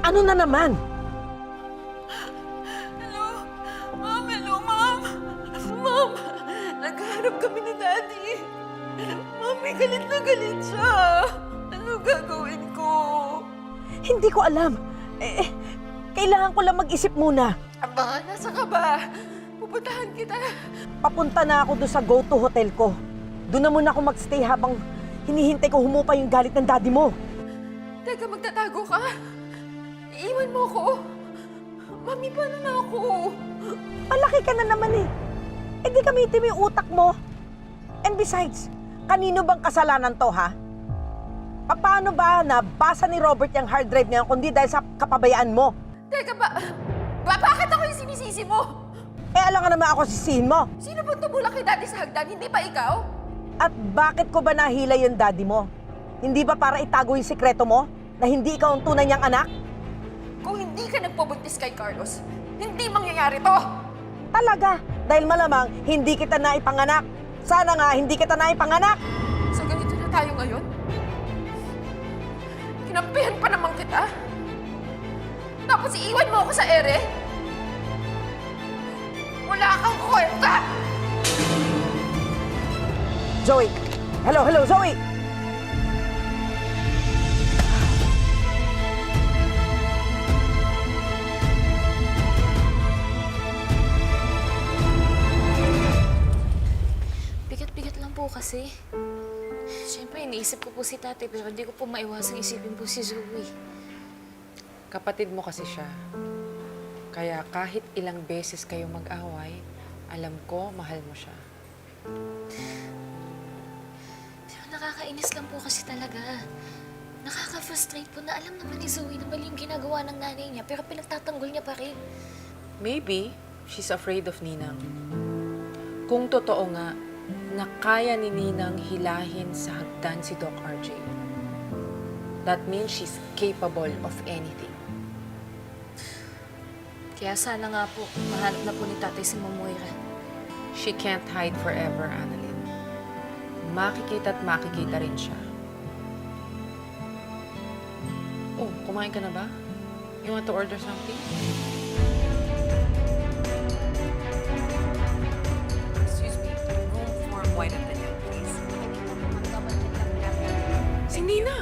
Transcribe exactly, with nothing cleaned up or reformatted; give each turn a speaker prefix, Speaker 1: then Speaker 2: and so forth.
Speaker 1: Ano na naman?
Speaker 2: Hello? Ma'am, hello, ma'am. Ma'am, naghahanap kami ni Daddy. Ma'am, may galit na galit siya. Ano gagawin ko?
Speaker 1: Hindi ko alam. Eh, eh, kailangan ko lang mag-isip muna.
Speaker 2: Aba, nasa ka ba? Pupuntahan kita.
Speaker 1: Papunta na ako doon sa go-to hotel ko. Doon na muna ako magstay habang hinihintay ko humupa yung galit ng daddy mo.
Speaker 2: Teka, magtatago ka? Iiwan mo ko? Mami, paano na ako?
Speaker 1: Malaki ka na naman eh. Eh di gamitin mo yung utak mo. And besides, kanino bang kasalanan to, ha? Paano ba nabasa ni Robert yung hard drive niya kundi dahil sa kapabayaan mo?
Speaker 2: Teka, ba, ba bakit ako yung sinisisi mo?
Speaker 1: Eh alam nga naman ako sisihin mo.
Speaker 2: Sino bang tumulak kay Daddy sa hagdan? Hindi pa ikaw?
Speaker 1: At bakit ko ba nahila yung daddy mo? Hindi ba para itago yung sikreto mo? Na hindi ikaw ang tunay niyang anak?
Speaker 2: Kung hindi ka nagpabuntis kay Carlos, hindi mangyayari to!
Speaker 1: Talaga, dahil malamang hindi kita naipanganak. Sana nga hindi kita naipanganak.
Speaker 2: So ganito na tayo ngayon? Kinampihan pa naman kita? Tapos iiwan mo ako sa ere? Wala kang kwenta!
Speaker 1: Zoe! Hello, hello, Zoe!
Speaker 3: Bigat-bigat lang po kasi. Siyempre, iniisip ko po si tate pero hindi ko po maiwasang isipin po si Zoe.
Speaker 4: Kapatid mo kasi siya. Kaya kahit ilang beses kayo mag-away, alam ko, mahal mo siya.
Speaker 3: Pero nakakainis lang po kasi talaga. Nakaka-frustrate po na alam naman ni Zoe na mali yung ginagawa ng nanay niya pero pinagtatanggol niya pa rin.
Speaker 4: Maybe, she's afraid of Ninang. Kung totoo nga, na kaya ni Ninang hilahin sa hagdan si Doc R J. That means she's capable of anything.
Speaker 3: Kaya sana nga po, mahanap na po ni tatay si Ma'am Moira.
Speaker 4: She can't hide forever, Annalyn. Makikita at makikita rin siya. Oh, kumain ka na ba? You want to order something?
Speaker 2: Excuse me, room for white and vanilla, please.
Speaker 4: Si Nina!